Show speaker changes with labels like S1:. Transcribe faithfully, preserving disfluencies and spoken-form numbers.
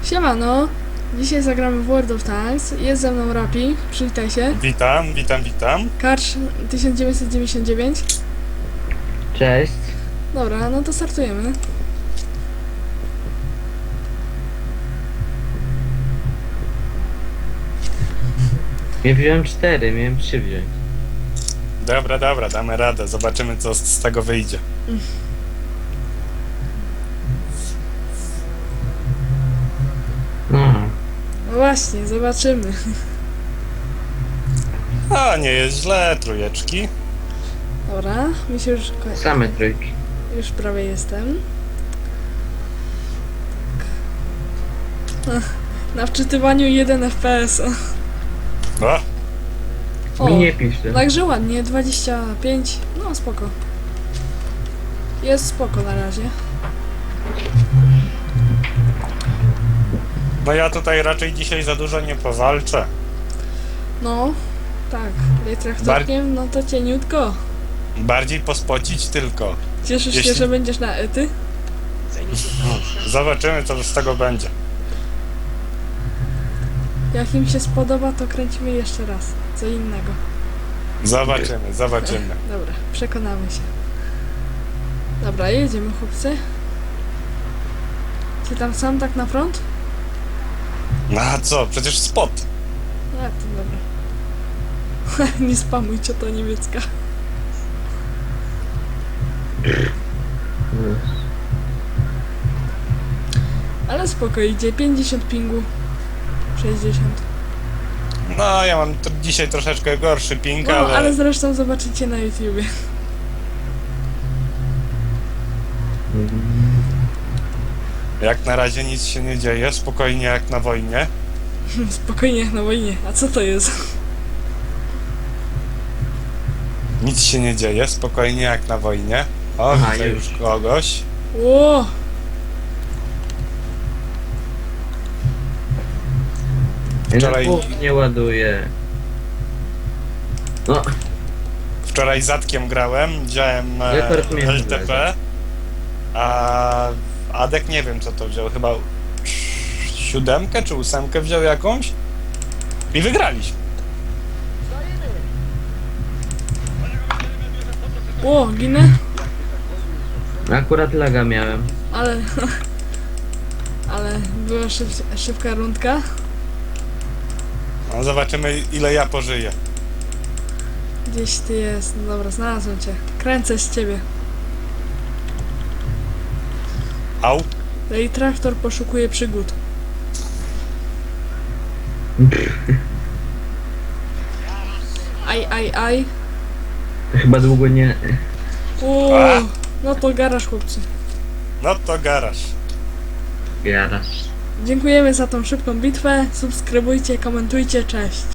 S1: Siemano, dzisiaj zagramy w World of Tanks, jest ze mną Rapi, przywitaj się.
S2: Witam, witam, witam.
S1: Karcz tysiąc dziewięćset dziewięćdziesiąt dziewięć.
S3: Cześć.
S1: Dobra, no to startujemy.
S3: Ja wziąłem cztery, miałem trzy wziąć.
S2: Dobra, dobra, damy radę. Zobaczymy, co z, z tego wyjdzie.
S3: No,
S1: No właśnie, zobaczymy.
S2: A, nie jest źle, trójeczki.
S1: Dobra, mi się już... ko-
S3: same trójki.
S1: Już prawie jestem. Tak. Ach, na wczytywaniu jeden F P S.
S2: O,
S1: O,
S3: Mi nie pisze.
S1: także ładnie, dwadzieścia pięć, no spoko. Jest spoko na razie.
S2: no ja tutaj raczej dzisiaj za dużo nie powalczę.
S1: No, tak, traktorkiem, no to cieniutko.
S2: Bardziej pospocić tylko.
S1: Cieszysz się,
S2: Jeśli-
S1: że będziesz na ety?
S2: Zobaczymy, co z tego będzie.
S1: Jak im się spodoba, to kręcimy jeszcze raz. Co innego.
S2: Zobaczymy, zobaczymy.
S1: Dobra, przekonamy się. Dobra, jedziemy chłopcy. Ty tam sam tak na front?
S2: No a co, przecież spot.
S1: A, to dobra. Nie spamujcie, to niemiecka. Ale spoko, idzie pięćdziesiąt pingu. sześćdziesiąt.
S2: No, ja mam t- dzisiaj troszeczkę gorszy ping,
S1: No,
S2: ale...
S1: ale zresztą zobaczycie na YouTubie.
S2: jak na razie nic się nie dzieje, spokojnie jak na wojnie.
S1: Spokojnie, na wojnie. A co to jest?
S2: Nic się nie dzieje, spokojnie jak na wojnie. O,
S3: Aha,
S2: widzę
S3: już.
S2: już kogoś.
S1: Ło!
S2: Wczoraj-
S3: Wczoraj nie ładuje. No,
S2: Wczoraj zatkiem grałem, wziąłem e,
S3: Rekord między
S2: L T P, a Adek nie wiem co to wziął, chyba siódemkę czy ósemkę wziął jakąś i wygraliśmy.
S1: Ło, ginę?
S3: akurat laga miałem.
S1: Ale... Ale była szyb, szybka rundka.
S2: No, zobaczymy ile ja pożyję.
S1: Gdzieś ty jest. No dobra, znalazłem cię. Kręcę z ciebie.
S2: Au,
S1: No i traktor poszukuje przygód. Aj, aj, aj.
S3: To chyba długo nie...
S1: Uuu,
S2: A?
S1: no to garaż chłopcy.
S2: no to garaż.
S3: Gadasz.
S1: Dziękujemy za tą szybką bitwę. Subskrybujcie, komentujcie, cześć.